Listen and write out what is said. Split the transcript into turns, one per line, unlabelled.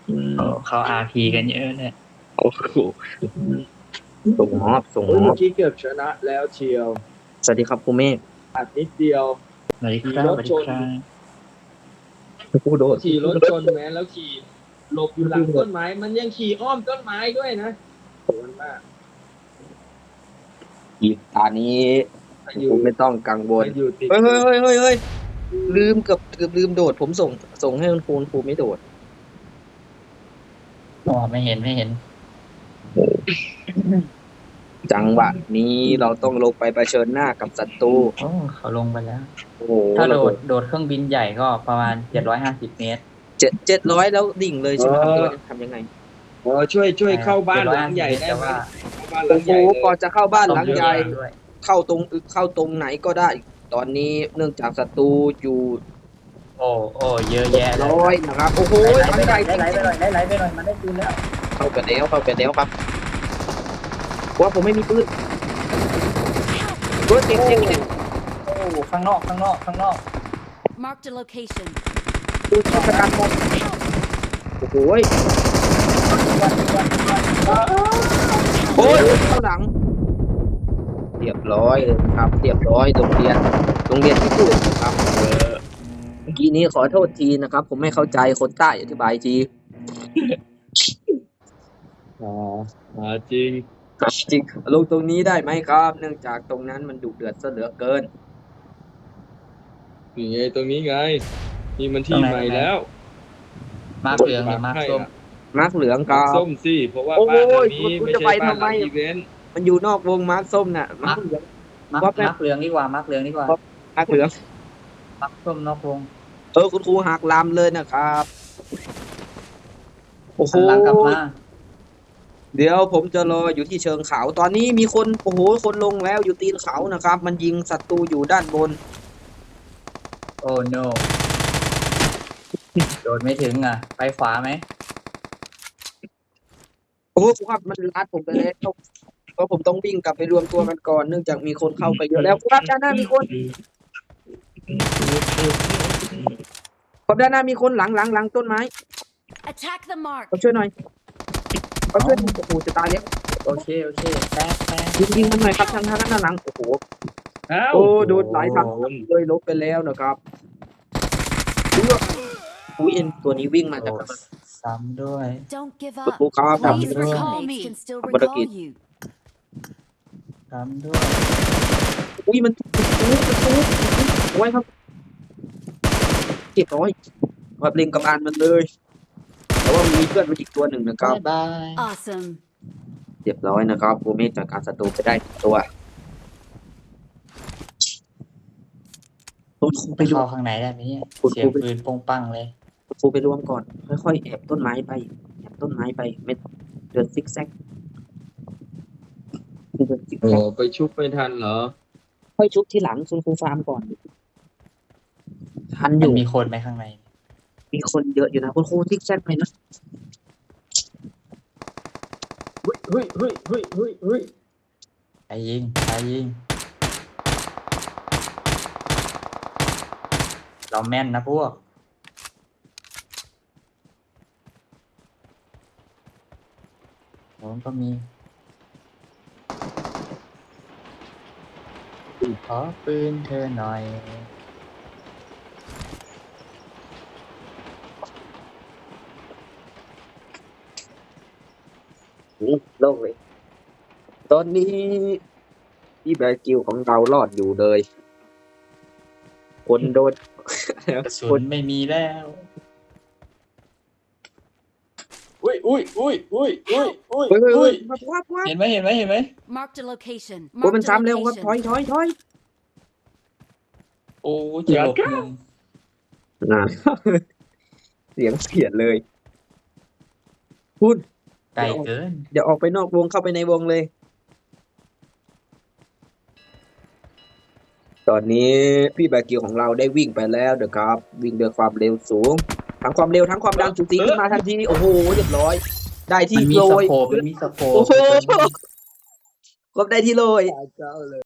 โอ้เขาอาร์พีกันเยอะเลย
โอ้โหส่งมอบส่ง
โอ้ย
มอ
เมื่
บ
อกี้เกือบชนะแล้วเชียว
สวัสดีครับครูเมฆ
อัดนิดเดียว
สวัสดีค
ขี่
รับ
ร
ส
ถ
วัส
ช
ดี
น
ครับ
ครูโดด
ขี่รถชนแม้แล้วขี่หลบอยู่หลังต้นไม้ มันยังขี่อ้อมต้นไม้ด้วยนะโหดมาก
อีกตานี้
มา
ค
อยู่
รูไม่ต้องกังวล
มาอยู่ติด
เฮ้ยเฮ้ยเฮ้ยเฮ้ยลืมเกือบลืมโดด ผมส่งให้คุณครูไม่โดด
อ๋อไม่เห็นไม่เห็น
จังหวะนี้เราต้องลงไปเผชิญหน้ากับศัตรู
โอ้เขาลงไปแล้ว
โอ้โห
ถ้าโด
ระเบิ
ดเครื่องบินใหญ่ก็ประมาณ750 เมตร
700แล้วดิ่งเลยใช่ไหมครับเราจะทำยังไง
ช่วยเข้าบ้านหลังใหญ่ได้
แต่
ไหม
ว่า
เข้าบ้านหลั
โอ้
ง
โห
ใหญ่เลย
ก่อนจะเข้าบ้านหลังใหญ่
ด้วย
เข้าตรงไหนก็ได้ ตอนนี้เนื่องจากศัตรูอยู่
โอ้เยอะแยะเลย
ร้อยนะครับ โอ้โห
ไหล
หลัง
ไป
ให
หน่
ญ่
อย
จ
ไหล
ริง
ไปหน่อยไหลไปหน่อยมันได้ปืนแล้ว
ๆเข้าไปแล้วครับว่าผมไม่มีปืนรถเจ็บ
โอ้ข้างนอก
Marked a location.
ดูชะกันหมดโอ้โหโอ้ยเข้าหลังเรียบร้อยเลยครับเรียบร้อยโรงเรียนที่พูดนะครับเมื่อกี้นี้ขอโทษทีนะครับ ผมไม่เข้าใจคนใต้อธิบายที
จริง
จริงลงตรงนี้ได้ไหมครับ เนื่องจากตรงนั้นมันดุเดือดซะเหลือเกิน
นี่ไงตรงนี้ไงนี่มันที่ใหม่แล้ว
มาร์คเหลืองหรือมาร์คส้ม
มาร์กเหลือง
มา
กั
ร์ค
บ
ส้มสิเพราะว่า
โอ้
บ้านหลัง
ย
นี้
คุณ
ไม่
จะ
ใช่
ไป
บ้าน
ทำ
ห
ไม
ลังอีเวนต์
มันอยู่นอกวงมาร์กส้มน่ะมาร์กเหลือง
มาร์คเหลืองดีกว่ามาร์คเหลืองดีกว่า
มาร์กเหลือง
มาร์คส้มนอกวง
คุณครูหักลำเลยนะครับโอ้โห
หันหลังกลับมา
เดี๋ยวผมจะรออยู่ที่เชิงเขา ตอนนี้มีคนโอ้โหคนลงแล้วอยู่ตีนเขานะครับ มันยิงศัตรูอยู่ด้านบน
โอ้ no โดดไม่ถึงอ่ะ ไปขวาไหม
โอ้โหครับมันลัดผมไปแล้วเพราะผมต้องวิ่งกลับไปรวมตัวกันก่อนเนื่องจากมีคนเข้าไปเยอะแล้วครับด้านหน้ามีคนครับด้านหน้ามีคนหลังต้นไม้
Attack the mark.
เขาช่วยหน่อยเขาช่วยโอ้โหจะตายแล้ว
โอเคแป๊บ
ยิงมันหน่อยครับทางด้านหลังโอ้โห
อ้าว
โอ้โดนหลายทางเลยลบไปแล้วนะครับอุ้ยเอ็นตัวนี้วิ่งมาจาก
โอ้ซ้ำด้วย
Don't give
คุณ
up.
ครูครับ
Please
Please
recall
recall
me. Can still
What a
recall
kid.
you.
ซ้ำด้วย
อุ้ยมันไว้ครับเก็บร้อยครับเล็งกับอานมันเลยแต่ว่ามีเพื่อนมันอีกตัวหนึ่งนะครับ
บาย
Awesome.
เรียบร้อยนะครับโกเมสจากการศัตรูไปได้ตัวคุณครู
ไป
ไปรว
เข้าม ข้างในได้ไหมเนี่ย
คุณ
เสี
ค
ย
รู
ง
ไป
ปืนโป้งปังเลย
คุณครูไปรวมก่อน ค่อยๆแอบต้นไม้ไปไม่เดินซิกแซกเดินซิก
โอ้
แซก
ไปชุบไม่ทันเหรอ
ค่อยชุบที่หลังคุณครูฟาร์มก่อนทันอ
มัน
ยู่
มีคนไหมข้างใน
มีคนเยอะอยู่นะคุณครูซิกแซกไปนะ
เฮ้ย
ไปยิงเราแม่นนะพวกผมก็มีขอปืนเธอหน่อย
โล่งเลยตอนนี้พี่แบร์กิลของเรารอดอยู่เลย คนโดน
กระสุนไม่มีแล้ว
อุ้ย
เฮ้ยวับ
เห็นไหม
Marked a location.
โอ้มัน
Marked a
ซ้ำเร็วครับ
location.
ถอย
โอ้จะหลบมุม
เสียงเปลี่ยนเลยพูด
ไกลเกิน
เดี๋ยวออกไปนอกวงเข้าไปในวงเลย ตอนนี้พี่แบร์กิลของเราได้วิ่งไปแล้วนะครับ วิ่งด้วยความเร็วสูง ทั้งความเร็วทั้งความดังสูสีขึ้นมาทันทีโอ้โหเรียบร้อย ได้ที่
มันมี
โร
ส
ย
โคปมันมีสโคป
โอ้โห ครบได้ที่โรย
เจ้าเลย